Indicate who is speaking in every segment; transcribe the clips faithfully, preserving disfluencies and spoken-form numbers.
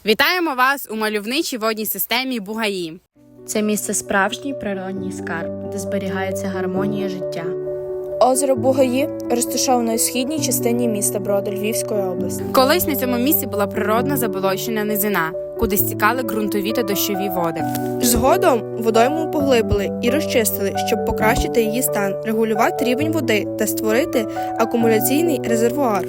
Speaker 1: Вітаємо вас у мальовничій водній системі Бугаї.
Speaker 2: Це місце справжній природній скарб, де зберігається гармонія життя.
Speaker 3: Озеро Бугаї розташоване у східній частині міста Броди Львівської області.
Speaker 1: Колись на цьому місці була природно заболочена низина, куди стікали ґрунтові та дощові води.
Speaker 3: Згодом водойму поглибили і розчистили, щоб покращити її стан, регулювати рівень води та створити акумуляційний резервуар.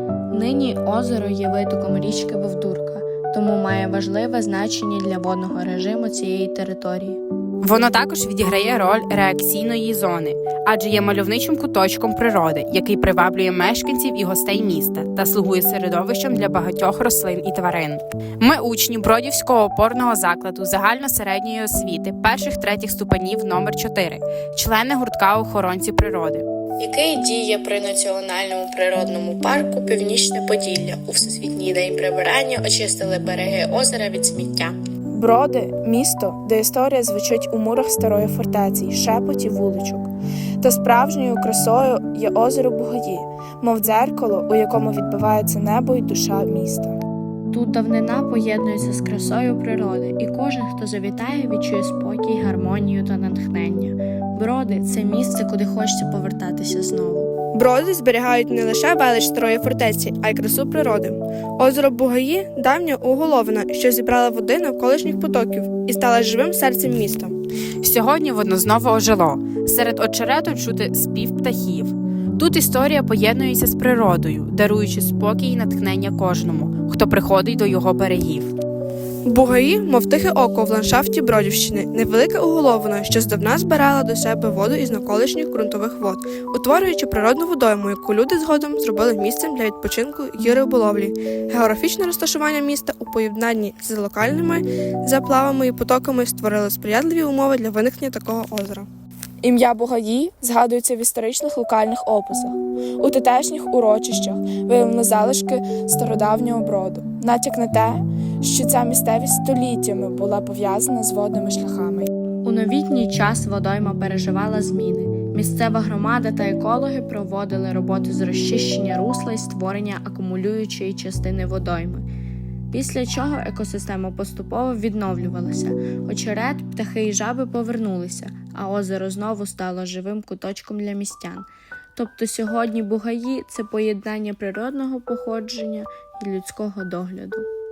Speaker 2: Нині озеро є витоком річки Вовдурка, тому має важливе значення для водного режиму цієї території.
Speaker 1: Воно також відіграє роль реакційної зони, адже є мальовничим куточком природи, який приваблює мешканців і гостей міста та слугує середовищем для багатьох рослин і тварин. Ми учні Бродівського опорного закладу загально-середньої освіти перших-третіх ступенів номер чотири, члени гуртка охоронці природи,
Speaker 2: Який діє при Національному природному парку Північне Поділля. У Всесвітній день прибирання очистили береги озера від сміття.
Speaker 3: Броди – місто, де історія звучить у мурах старої фортеці, шепоті вуличок. Та справжньою красою є озеро Бугаї, мов дзеркало, у якому відбивається небо й душа міста.
Speaker 2: Тут давнина поєднується з красою природи, і кожен, хто завітає, відчує спокій, гармонію та натхнення. Броди – це місце, куди хочеться повертатися знову.
Speaker 3: Броди зберігають не лише велич старої фортеці, а й красу природи. Озеро Бугаї – давня уголовина, що зібрала води навколишніх потоків і стала живим серцем міста.
Speaker 1: Сьогодні воно знову ожило. Серед очерету чути спів птахів. Тут історія поєднується з природою, даруючи спокій і натхнення кожному, хто приходить до його берегів.
Speaker 3: Бугаї, мов тихе око в ландшафті Бродівщини, невелика уголовина, що здавна збирала до себе воду із навколишніх ґрунтових вод, утворюючи природну водойму, яку люди згодом зробили місцем для відпочинку і риболовлі. Географічне розташування міста у поєднанні з локальними заплавами і потоками створило сприятливі умови для виникнення такого озера. Ім'я Бугаї згадується в історичних локальних описах. У тутешніх урочищах виявлено залишки стародавнього броду. Натяк на те, що ця місцевість століттями була пов'язана з водними шляхами.
Speaker 2: У новітній час водойма переживала зміни. Місцева громада та екологи проводили роботи з розчищення русла і створення акумулюючої частини водойми. Після чого екосистема поступово відновлювалася. Очерет, птахи і жаби повернулися, а озеро знову стало живим куточком для містян. Тобто сьогодні Бугаї – це поєднання природного походження і людського догляду.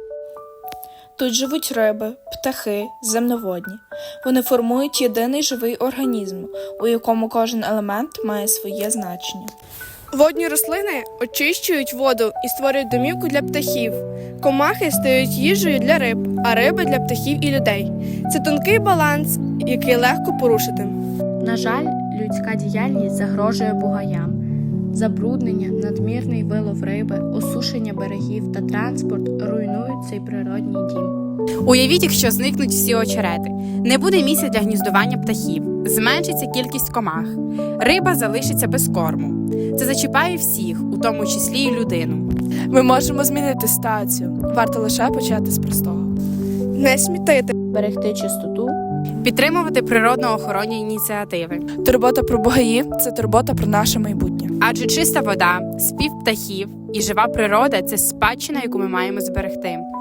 Speaker 3: Тут живуть риби, птахи, земноводні. Вони формують єдиний живий організм, у якому кожен елемент має своє значення. Водні рослини очищують воду і створюють домівку для птахів. Комахи стають їжею для риб, а риби для птахів і людей. Це тонкий баланс, який легко порушити.
Speaker 2: На жаль, людська діяльність загрожує бугаям. Забруднення, надмірний вилов риби, осушення берегів та транспорт руйнують цей природній дім.
Speaker 1: Уявіть, якщо зникнуть всі очерети. Не буде місця для гніздування птахів, зменшиться кількість комах. Риба залишиться без корму. Це зачіпає всіх, у тому числі і людину.
Speaker 3: Ми можемо змінити ситуацію. Варто лише почати з простого. Не смітити.
Speaker 2: Берегти чистоту.
Speaker 1: Підтримувати природно-охоронні ініціативи.
Speaker 3: Турбота про Бугаї – це турбота про наше майбутнє.
Speaker 1: Адже чиста вода, спів птахів і жива природа – це спадщина, яку ми маємо зберегти.